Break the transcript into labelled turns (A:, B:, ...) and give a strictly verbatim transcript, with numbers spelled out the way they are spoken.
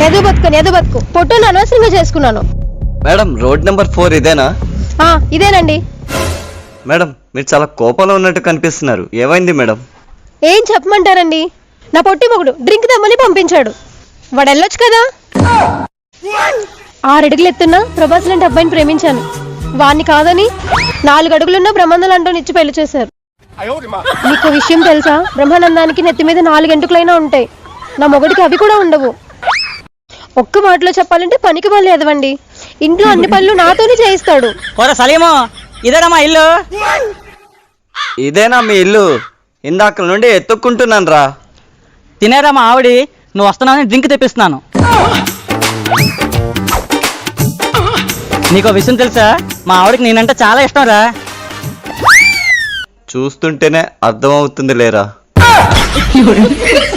A: ఎదు బతుకుని ఎదు బతుకు పొట్టును అనవసరంగా చేసుకున్నాను.
B: మేడం రోడ్ నెంబర్ ఫోర్ ఇదేనా?
A: ఆ ఇదేనండి.
B: మేడం మీరు చాలా కోపంలో ఉన్నట్టు కనిపిస్తున్నారు, ఏమైంది మేడం?
A: ఏం చెప్పమంటారండి, నా పొట్టి మొగుడు డ్రింక్ తెమ్మని పంపించాడు. వాడు వెళ్ళొచ్చు కదా. ఆరు అడుగులు ఎత్తున్నా ప్రభాస్ లాంటి అబ్బాయిని ప్రేమించాను. వాణ్ణి కాదని నాలుగు అడుగులున్న బ్రహ్మానందం అంటూ ఇచ్చి పెళ్లి చేశారు. మీకు విషయం తెలుసా, బ్రహ్మానందానికి నెత్తి మీద నాలుగు ఎంటుకలైనా ఉంటాయి, నా మొగుడికి అవి కూడా ఉండవు. ఒక్క మాటలో చెప్పాలంటే పనికి పనులు ఎదవండి. ఇంట్లో అన్ని పనులు నాతోనే చేయిస్తాడు.
C: ఇదేనా మా ఇల్లు?
B: ఇదేనా మీ ఇల్లు? ఇందాక నుండి ఎత్తుక్కుంటున్నాను రా.
C: తినేరా మా ఆవిడి, నువ్వు వస్తున్నావని డ్రింక్ తెప్పిస్తున్నాను. నీకు విషయం తెలుసా, మా ఆవిడకి నేనంటే చాలా ఇష్టం రా.
B: చూస్తుంటేనే అర్థమవుతుంది లేరా.